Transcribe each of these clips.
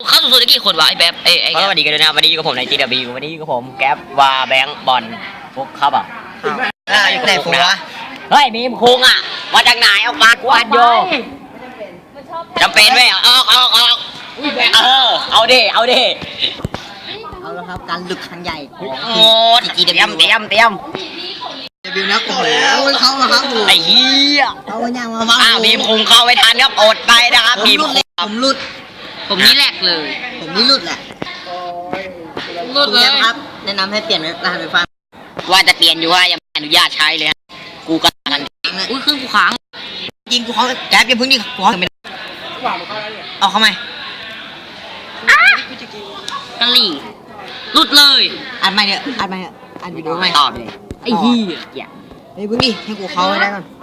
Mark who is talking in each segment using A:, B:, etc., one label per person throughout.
A: เข้าสู่ได้กี่คนวะไอ้แบบไอ้
B: สวัสดีกันด้วยนะครับวันนี้อยู่กับผมใน GW วันนี้อยู่กับผมแก๊ปวาแบงค์บอลฟุกครับอยู่ไหนฟุกนะเฮ้ยมีมคุงอ่ะมาจากไหนออกมากวาดโยจำเป็นไหมออกเอาดิเอา
C: แล้วครับการลึกครั้งใหญ่
B: โอ้เตรียม
C: บิวนักก่อนแล้วเขาอะครับ
B: ไอ้เหี้ย
C: เอาอย่างมาฟัง
B: มีมคุงเข้าไม่ทันครับอดไปนะครับมีมคุง
C: ผมรุด
A: ผมนี่แหลกเลย
C: ผมนี่รุดแหละ
A: รุดเลย
C: ครับแนะนำให้เปลี่ยนรหัสไฟฟ้า
B: ว่าจะเปลี่ยนอยู่ว่ายังไม่อนุญาตใช้เลยกูก็ทัน
A: อุ้ยเครื่องกูค้าง
C: ยิงกูเขาแก๊ปอย่าพึ่งดิกูเขาไม่เอาเข้ามา
A: กันหลี่รุดเลย
C: อัดไม่เนี่ยอัดวิดีโอไม่
B: ตอบเลย
A: ไอ้เหี้ย
C: เฮ้ยพึ่งดิให้กูเขาได้ก่อน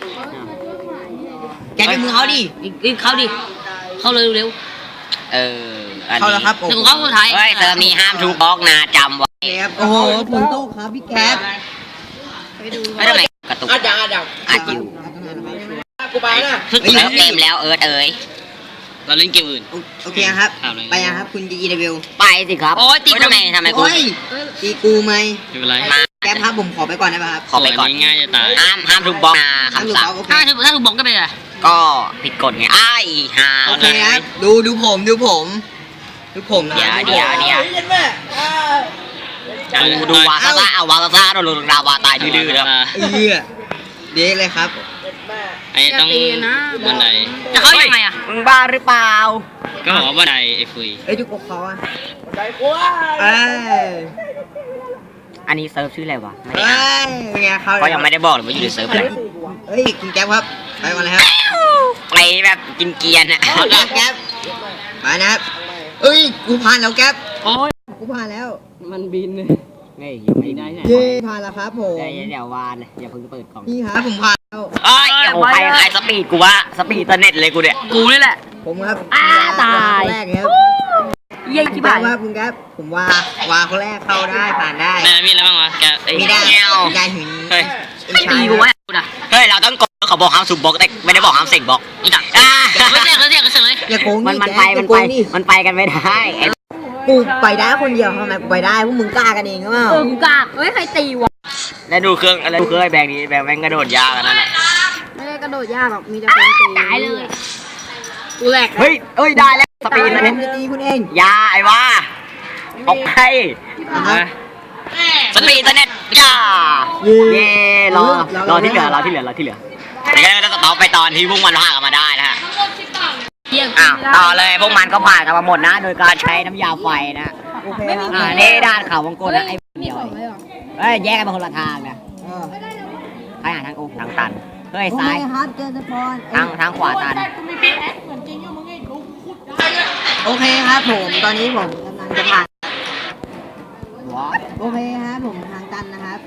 C: แก๊ปเป็นมือเขาดิ
A: เข้าดิเข้าเร็ว
C: เข้าแล้วครับ
A: ถึงเข้าสุดท้าย
B: เฮ้ยเธอมีห้ามทุกบล็อกนะจำไว้
C: โอ้โหฝนตกครับพี่แก๊ป
B: ไม่ทำไมกระตุกอัดอยู่
C: กูไปนะ
B: เล่นเกมแล้วเอ๋ยเราเล่นเกมอื่น
C: โอเคครับไปยังครับคุณGW
B: ไปสิครับ
A: โอ้ยตี
B: ทำไมกู
C: ตีกูไหม
D: ไม่เป็นไร
C: แก๊ปครับผมขอไปก่อนได้ไหมครับ
B: ขอไปก่อน
D: ง่ายจะตาย
B: ห้ามทุกบล็อกนะคำสั่ง
A: ถ้าถูกบล็อกก็เป็นอะไร
B: ก็ผิดกฎไง
C: โอเคครับดูผมเดี๋ยว
B: ดูวาซาซ่าเอาวาซาซ่าโดนดาวาตายดื้อๆแล้ว
C: เด็กเลยครับ
D: ไอ้ต้องบันได
A: จะเข้ายังไงอ่ะ
B: มึงบ้าหรือเปล่า
D: ก็บอกว่าบันไดไอ้ฟุย
C: จุกเขาอ่ะบันไดกู
B: อันนี้เซิร์ฟชื่ออะไรวะไม่ได้
C: ไงเขา
B: ก็ยังไม่ได้บอกเลยว่าอยู่ในเซิร์ฟอะไร
C: เฮ้ยคุณแก๊ปครับไปก่อนเลยครับ
B: ไปแบบกินเกียร์นะ
C: แก๊ปมานะครับเอ้ยกูผ่านแล้วแก๊ป
A: โอ้ย
C: กูผ่านแล้ว
A: มันบินเลย
B: ไม่ได้
C: เย้ผ่านแล้วครับผม
B: เดี๋ยววานอย่าเพิ่งเปิดกล่อง
C: นี่ครับผมผ่านแล้ว
B: ใครสปีดกูวะสปีดเน็ตเลยกูเนี่ย
A: กูนี่แหละ
C: ผมครับ
A: ตาย
C: แรกครับ
A: เย้กี่บาท
C: ว่าคุณครับผมว่าคนแรกเข้าได้ผ่านได้
D: มีอะไรบ้างวะแก
C: มีได้หิน
B: เฮ้ย
A: ไม่ตีกูวะ
B: เฮ้ยเราต้องกดเขาบอกห้ามสูบบล็อกแต่ไม่ได้บอกห้ามเสกบล็อก
A: อีดักเสียเลย
C: อย่าโกง
B: มันไปกันไม่ได้
C: กูไปได้คนเดียวทำไมกูไปได้พวกมึงกล้ากันเองหรือเปล่า
A: มึงกล้าเฮ้ยใครตีวะ
B: แล้วดูเครื่องอะไรดูเครื่องไอ้แบงค์นี้แบงค์แม่งกระโดดยากนั่นแหละ
A: ไม่ได้กระโดดยากหรอกมีแต่คนตีตายเลยกูแหลก
B: เฮ้ยได้แล้วสปีดแล้วเนี่ย
C: ตีคุณเอง
B: ยาไอ้ว่าออกไปสปีดเน็ตย่าเย่รอที่เหลือแล้วก็จะต่อไปตอนที่พวกมันพากันมาได้นะฮะต่อเลยพวกมันก็ผ่านกันมาหมดนะโดยการใช้น้ำยาไฟนะนี่ด้านเขาวงกลนะไอ้เดียวแยกกันเป็นคนละทางนะใครหาทางทางตันเฮ้ยซ้ายทางขวาตัน
C: โอเคครับผมตอนนี้ผมกำลังจะผ่านโอเคครับผมทางตันนะครับ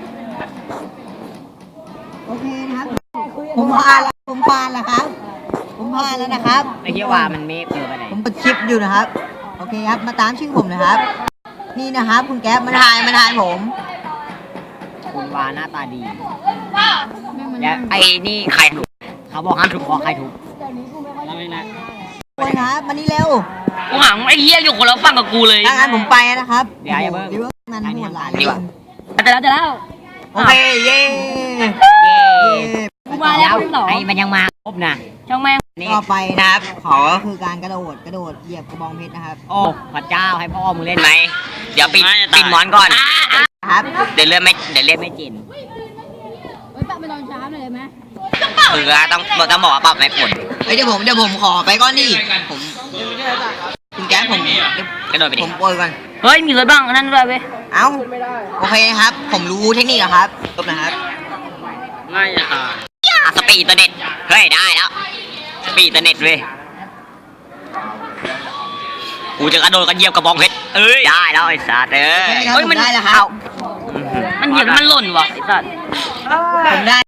C: โอเคนะครับผมผ่านแล้วครับนะครับ
B: ไอ้เหี้ยว่ามันเมฟเกินไปไหน
C: ผมกดคลิปอยู่นะครับโอเคครับมาตามชื่อผมนะครับนี่นะครับคุณแก๊ปมาถ่ายผม
B: คุณวาหน้าตาดีแล้วไอ้นี่ใครถูกเขาบอกห้ามถูกบอกใครถูก
D: แล้วไม่นะ
C: คนครับมานี่เร็ว
A: กูหางไอ้เหี้ยอยู่คนละฝั่งกับกูเลย
C: งั้นผมไปนะครับ
B: เดี๋ยวอย่าเพิ่ง
C: นั่นหมดหลาย
A: จะแล้ว
C: โอเคเย้
A: กูมาแล้ว
B: ไอ้มันยังมาครบนะ
A: ช่างแม่ง
C: ต่อไปนะครับขอก็คือการกระโดดเหยียบกระบองเพชรนะครับ
B: โอ้พระเจ้าให้พ่อมึงเล่นไหมเดี๋ยวปิดหมอนก่อน
C: ครับ
B: เดี๋ยวเล่นไม่จิน
A: ปรับไปตอนเช้าเลยไหม
B: ต้องบอกว่าปรับไม่ผล
C: เดี๋ยวผมขอไปก่อนดิผมคุณแก๊ปผม
B: กระโดดไปดิ
C: ผมโปรยก่อน
A: เฮ้ยมีรถบ้างนั่นด้วยเว้ย
C: เอ้าโอเคครับผมรู้เทคนิคครับจบนะครับ
D: ง่ายจะตาย
B: สปีดเน็ตเฮ้ยได้แล้วสปีดเน็ตเว้ยกูจะกระโดดกันเหยียบกระบองเพชรได้แล้วไอ้สัตว์
C: เฮ้ยมันได้แล้วครับ
A: มันเหยียบมันหล่นว่ะไอ้สัตว์
C: ผมได้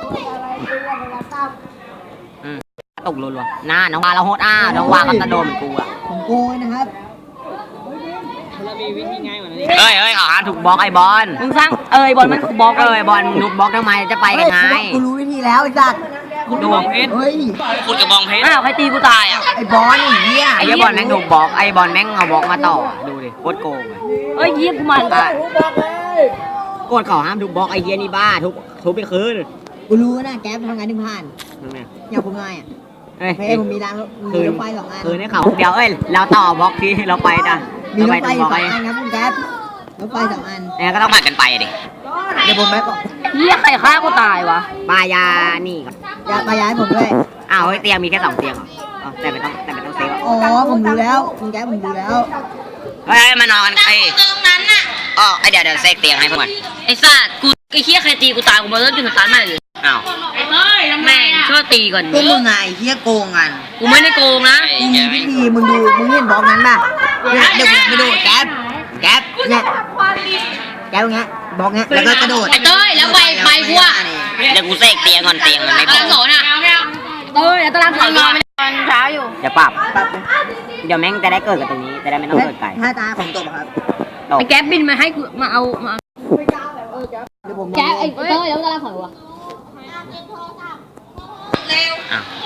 B: ตกรัวๆน้องวาเราโหดน้องวาก็กระโดดเหมือนกู
C: ผมโกยนะครับ
D: เรามีวิธีง่ายกว่านี้
B: เฮ้ยเขาหาถูกบล็อกไอ้บอล
A: มึงสร้างบอลมันถูกบล็อก
B: บอลมึงถูกบล็อกทำไมจะไปกันไง
C: กูรู้วิธีแล้วไอ้สัตว์
D: ขุดกระบองเพชร
C: เฮ้ย
D: ขุดกระบองเพชร
B: อ้าวใครตีกูตายอ่ะ
C: ไอ้บอลเหี้ย
B: ไอ้เหี้ยบอลแม่งถูกบล็อกไอ้บอลแม่งเอาบล็อกมาต่อดูดิโคตรโกงเลย
A: เอ้ยเยี่ยมกูมัน
B: กดเขาห้ามทุบบล็อกไอ้เหี้ยนี่บ้าทุบไปคืน
C: กูรู้นะแก๊ปทำงานถึงผ่าน
B: นั่นไง
C: อย่างผมง่ายอ่ะ
B: เอ้ย
C: เฮ้ยผมมีรางมีรถไฟ2 อัน
B: คืนให้เขาเดี๋ยวเอ้ยเราต่อบล็อกที่เราไปนะ
C: มี
B: เรา
C: ร
B: ไป
C: ถไฟ
B: ตรงบล็อก
C: 2
B: ไอ้
C: อันครับคุณแก๊ปรถไฟ2 อัน
B: เนี่ยก็ต้องผัดกันไปดิ
C: เดี๋ยวผมไปก่อน
A: เยี่ยใครฆ่ากูตายวะ
B: ปายานี่ก่อน
C: อย่าไปย้ายผมด้วย
B: อ้าวเฮ้ยเตียงมีแค่2 เตียงเหรออ๋อแต่ไม่ต้องเซฟอ่ะ
C: อ๋อผมรู้แล้วคุณแก๊ปผมรู้แล้ว
B: เฮ้ยมานอนไอ้ตรงนั้นน่ะอ๋อไอ้เดี๋ยวเซฟเตียงให้พวกมัน
A: ไอ้สัตว์กูไอ้เหี้ยใครตีกูตายกูมาเริ่มจุดสตาร์ทใหม่เลย
B: อ้าว
A: แม่งช่วยตีก่อน
C: พวกมึงไงเฮียโกงกัน
A: กูไม่ได้โกงนะ
C: กูมีวิธีมึงดูมึงเห็นบล็อกนั้นป่ะเนี่ยเดี๋ยวกูไปดูแก๊ปเนี่ยแก๊ปเงี้ยบล็อกเงี้ยแล้วก็กระโดด
A: ไอ้เต้ยแล้วไปกูอะ
B: เดี๋ยวกูเซฟเตียงก่อนเตียงมันไม่พอ
A: โสนอ่ะเต้ยแล้วตารางถอยมาตอนเช้าอยู่
B: เดี๋ยวปรับเดี๋ยวแม่งจะได้เกิดกับตรงนี้จะได้ไม่ต้องเกิดไกล
C: ถ้าตาของตบครับ
B: ตก
A: ไอ้แก๊ปบินมาให้กูมาเอามา
C: เดี๋ยวผม
A: แก๊ปไอ้เต้ยแล้วตารางถอยวะ
B: อ้าว